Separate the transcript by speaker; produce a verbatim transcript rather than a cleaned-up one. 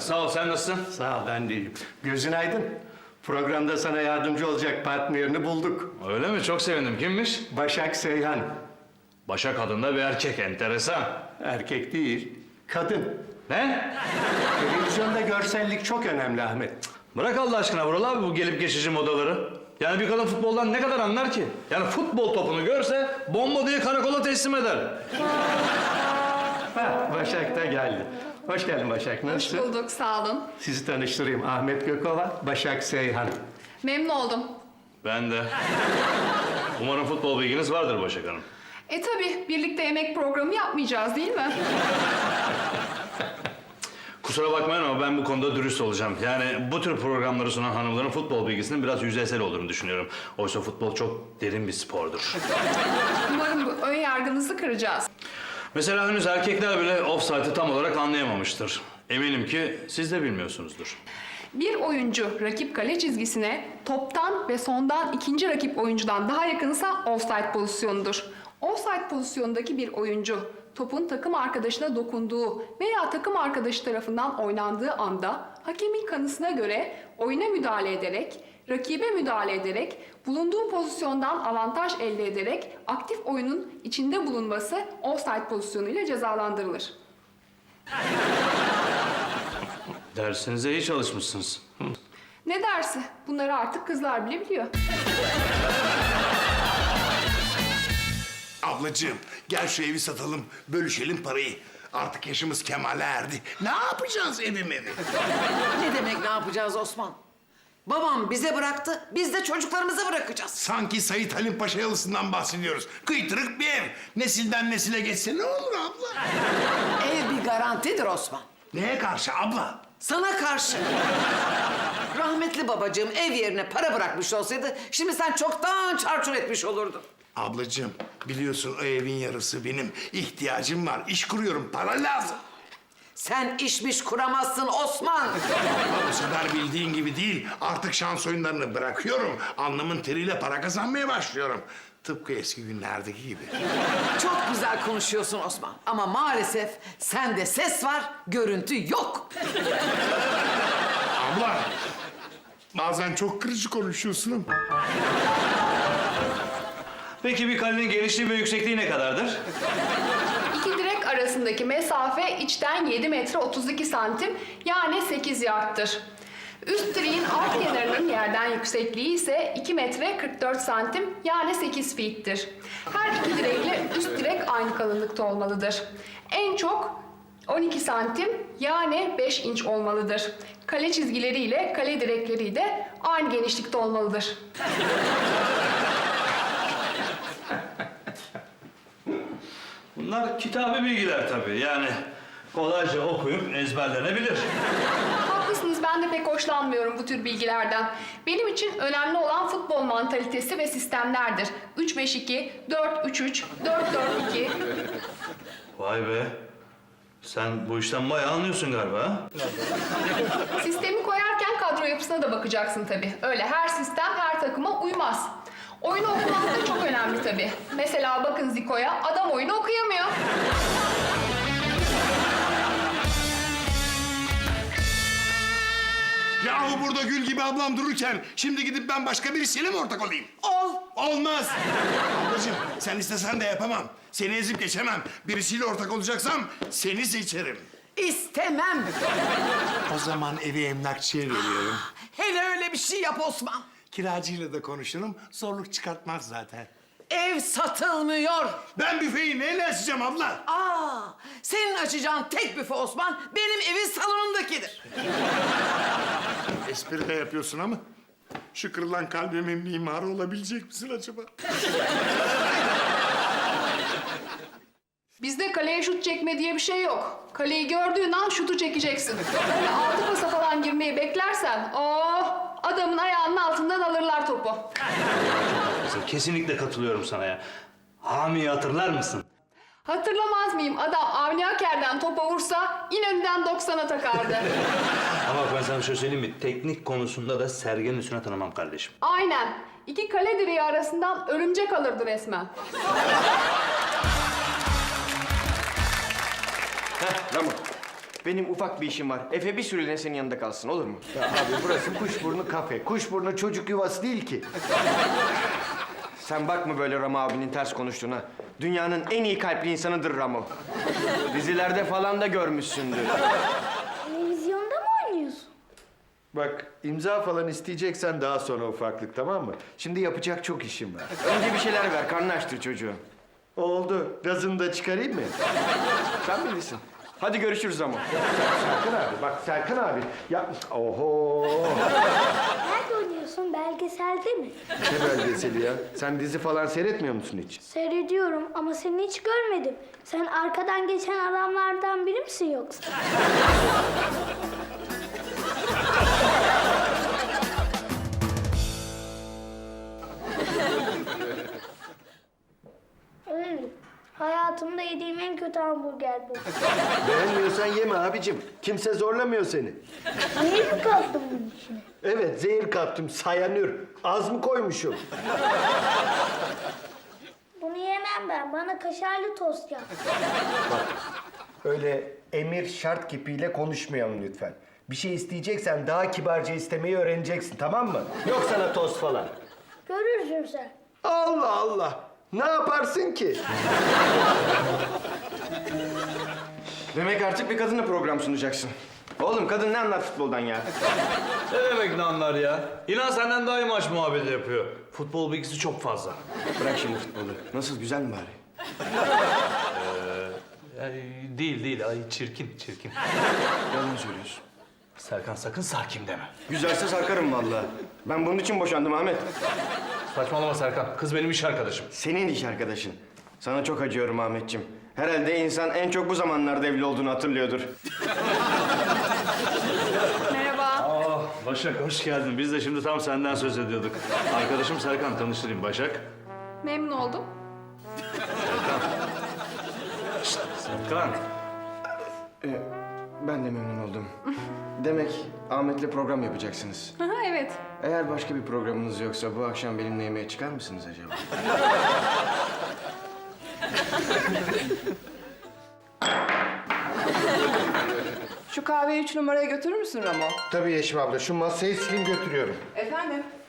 Speaker 1: Sağ ol, sen nasılsın?
Speaker 2: Sağ ol, ben de iyiyim. Gözün aydın. Programda sana yardımcı olacak partnerini bulduk.
Speaker 1: Öyle mi? Çok sevindim. Kimmiş?
Speaker 2: Başak Seyhan.
Speaker 1: Başak adında bir erkek, enteresan.
Speaker 2: Erkek değil, kadın.
Speaker 1: Ne?
Speaker 2: Televizyonda görsellik çok önemli Ahmet.
Speaker 1: Bırak Allah aşkına Vural abi bu gelip geçici modaları. Yani bir kadın futboldan ne kadar anlar ki? Yani futbol topunu görse bomba diye karakola teslim eder.
Speaker 2: Ha, Başak da geldi. Hoş geldin Başak,
Speaker 3: Hoş
Speaker 2: nasılsın?
Speaker 3: bulduk, sağ olun.
Speaker 2: Sizi tanıştırayım. Ahmet Gökova, Başak Seyhan.
Speaker 3: Memnun oldum.
Speaker 1: Ben de. Umarım futbol bilginiz vardır Başak Hanım.
Speaker 3: E tabii, birlikte yemek programı yapmayacağız değil mi?
Speaker 1: Kusura bakmayın ama ben bu konuda dürüst olacağım. Yani bu tür programları sunan hanımların futbol bilgisinin biraz yüzeysel olduğunu düşünüyorum. Oysa futbol çok derin bir spordur.
Speaker 3: Umarım bu ön yargınızı kıracağız.
Speaker 1: Mesela henüz erkekler bile offside'ı tam olarak anlayamamıştır. Eminim ki siz de bilmiyorsunuzdur.
Speaker 3: Bir oyuncu rakip kale çizgisine toptan ve sondan ikinci rakip oyuncudan daha yakınsa offside pozisyonudur. Offside pozisyondaki bir oyuncu topun takım arkadaşına dokunduğu veya takım arkadaşı tarafından oynandığı anda hakemin kanısına göre oyuna müdahale ederek, rakibe müdahale ederek, bulunduğu pozisyondan avantaj elde ederek aktif oyunun içinde bulunması offside pozisyonuyla cezalandırılır.
Speaker 1: Dersinize iyi çalışmışsınız. Hı.
Speaker 3: Ne dersi? Bunları artık kızlar bile biliyor.
Speaker 4: Ablacığım gel şu evi satalım, bölüşelim parayı. Artık yaşımız kemale erdi. Ne yapacağız evim evi?
Speaker 5: Ne demek ne yapacağız Osman? Babam bize bıraktı, biz de çocuklarımıza bırakacağız.
Speaker 4: Sanki Sait Halim Paşa yalısından bahsediyoruz. Kıytırık bir ev. Nesilden nesile geçse ne olur abla?
Speaker 5: Ev bir garantidir Osman.
Speaker 4: Neye karşı abla?
Speaker 5: Sana karşı. Rahmetli babacığım ev yerine para bırakmış olsaydı şimdi sen çoktan çarçur etmiş olurdun.
Speaker 4: Ablacığım biliyorsun o evin yarısı benim. İhtiyacım var. İş kuruyorum. Para lazım.
Speaker 5: Sen işmiş kuramazsın Osman.
Speaker 4: Bu sefer bildiğin gibi değil. Artık şans oyunlarını bırakıyorum. Alnımın teriyle para kazanmaya başlıyorum. Tıpkı eski günlerdeki gibi.
Speaker 5: Çok güzel konuşuyorsun Osman. Ama maalesef sende ses var, görüntü yok.
Speaker 4: Abla, bazen çok kırıcı konuşuyorsun.
Speaker 1: Peki bir kalenin genişliği ve yüksekliği ne kadardır?
Speaker 3: İki direk arasındaki mesafe içten yedi metre otuz iki santim yani sekiz yardtır. Üst direğin alt kenarının yerden yüksekliği ise iki metre kırk dört santim yani sekiz feet'tir. Her iki direkle üst direk aynı kalınlıkta olmalıdır. En çok on iki santim yani beş inç olmalıdır. Kale çizgileri ile kale direkleri de aynı genişlikte olmalıdır.
Speaker 1: Bunlar kitabi bilgiler tabii. Yani kolayca okuyup ezberlenebilir.
Speaker 3: Haklısınız, ben de pek hoşlanmıyorum bu tür bilgilerden. Benim için önemli olan futbol mantalitesi ve sistemlerdir. üç beş iki, dört üç üç, dört dört iki.
Speaker 1: Vay be. Sen bu işten bayağı anlıyorsun galiba ha?
Speaker 3: Sistemi koyarken kadro yapısına da bakacaksın tabii. Öyle her sistem her takıma uymaz. Oyunu okumak da çok önemli tabii. Mesela bakın Zico'ya, adam oyunu okuyamıyor.
Speaker 4: Yahu burada gül gibi ablam dururken şimdi gidip ben başka birisiyle mi ortak olayım?
Speaker 5: Ol.
Speaker 4: Olmaz. Ablacığım sen istesen de yapamam. Seni ezip geçemem. Birisiyle ortak olacaksam seni seçerim.
Speaker 5: İstemem.
Speaker 4: O zaman evi emlakçıya veriyorum.
Speaker 5: Hele öyle bir şey yap Osman.
Speaker 4: Kiracıyla da konuşurum. Zorluk çıkartmaz zaten.
Speaker 5: Ev satılmıyor.
Speaker 4: Ben büfeyi neyle açacağım abla?
Speaker 5: Aa, senin açacağın tek büfe Osman benim evin salonundakidir.
Speaker 4: Espri de yapıyorsun ama şu kırılan kalbimin mimarı olabilecek misin acaba?
Speaker 3: Bizde kaleye şut çekme diye bir şey yok. Kaleyi gördüğün an şutu çekeceksin. Böyle altı pasa falan girmeyi beklersen, oh, adamın ayağının altından alırlar topu.
Speaker 1: Kesinlikle katılıyorum sana ya. Hami'yi hatırlar mısın?
Speaker 3: Hatırlamaz mıyım? Adam Avni Aker'den topa vursa İnönü'den doksana takardı.
Speaker 1: Ama bak ben sana bir şey söyleyeyim mi? Teknik konusunda da Sergen'in üstüne tanımam kardeşim.
Speaker 3: Aynen. İki kale direği arasından örümcek alırdı resmen.
Speaker 2: Heh, Ramo.
Speaker 6: Benim ufak bir işim var. Efe bir süreliğine senin yanında kalsın, olur mu?
Speaker 2: Ya abi burası kuşburnu kafe. Kuşburnu çocuk yuvası değil ki.
Speaker 6: Sen bakma böyle Ramo abinin ters konuştuğuna. Dünyanın en iyi kalpli insanıdır Ramo. Dizilerde falan da görmüşsündür.
Speaker 7: Televizyonda mı oynuyorsun?
Speaker 2: Bak imza falan isteyeceksen daha sonra ufaklık, tamam mı? Şimdi yapacak çok işim var.
Speaker 6: Önce bir şeyler ver, karnını açtır çocuğu.
Speaker 2: Oldu. Gazını da çıkarayım mı?
Speaker 6: Sen bilirsin. Hadi görüşürüz Ramo.
Speaker 2: Serkan abi, bak Serkan abi. Ya, oho.
Speaker 7: Nerede oynuyorsun? Belgeselde mi?
Speaker 2: Ne belgeseli ya? Sen dizi falan seyretmiyor musun hiç?
Speaker 7: Seyrediyorum ama seni hiç görmedim. Sen arkadan geçen adamlardan biri misin yoksa? Evet. Hayatımda yediğim en kötü hamburger bu.
Speaker 2: Beğenmiyorsan yeme abicim. Kimse zorlamıyor seni.
Speaker 7: Niye mi kattın bunun içine?
Speaker 2: Evet, zehir kattım. Sayanür. Az mı koymuşum?
Speaker 7: Bunu yemem ben. Bana kaşarlı tost yap.
Speaker 2: Öyle emir şart kipiyle konuşmayalım lütfen. Bir şey isteyeceksen daha kibarca istemeyi öğreneceksin, tamam mı? Yok sana tost falan.
Speaker 7: Görürsün sen.
Speaker 2: Allah Allah! Ne yaparsın ki?
Speaker 6: Demek artık bir kadınla program sunacaksın. Oğlum kadın ne anlar futboldan ya?
Speaker 1: Ne demek ne anlar ya? İnan senden daha iyi maç muhabbeti yapıyor. Futbol bilgisi çok fazla.
Speaker 6: Bırak şimdi futbolu. Nasıl, güzel mi bari?
Speaker 1: değil değil, ay çirkin çirkin.
Speaker 6: Yalan söylüyorsun.
Speaker 1: Serkan sakın sakin deme.
Speaker 6: Güzelse sarkarım vallahi. Ben bunun için boşandım Ahmet.
Speaker 1: Saçmalama Serkan, kız benim iş arkadaşım.
Speaker 6: Senin iş arkadaşın. Sana çok acıyorum Ahmetciğim. Herhalde insan en çok bu zamanlarda evli olduğunu hatırlıyordur.
Speaker 3: Merhaba.
Speaker 1: Aa, Başak hoş geldin. Biz de şimdi tam senden söz ediyorduk. Arkadaşım Serkan, tanıştırayım Başak.
Speaker 3: Memnun oldum.
Speaker 1: Serkan.
Speaker 6: Ee, ben de memnun oldum. Demek Ahmet'le program yapacaksınız.
Speaker 3: Aha, evet.
Speaker 6: Eğer başka bir programınız yoksa bu akşam benimle yemeğe çıkar mısınız acaba?
Speaker 8: Şu kahveyi üç numaraya götürür müsün Ramo?
Speaker 2: Tabii Yeşim abla, şu masayı sileyim götürüyorum.
Speaker 8: Efendim?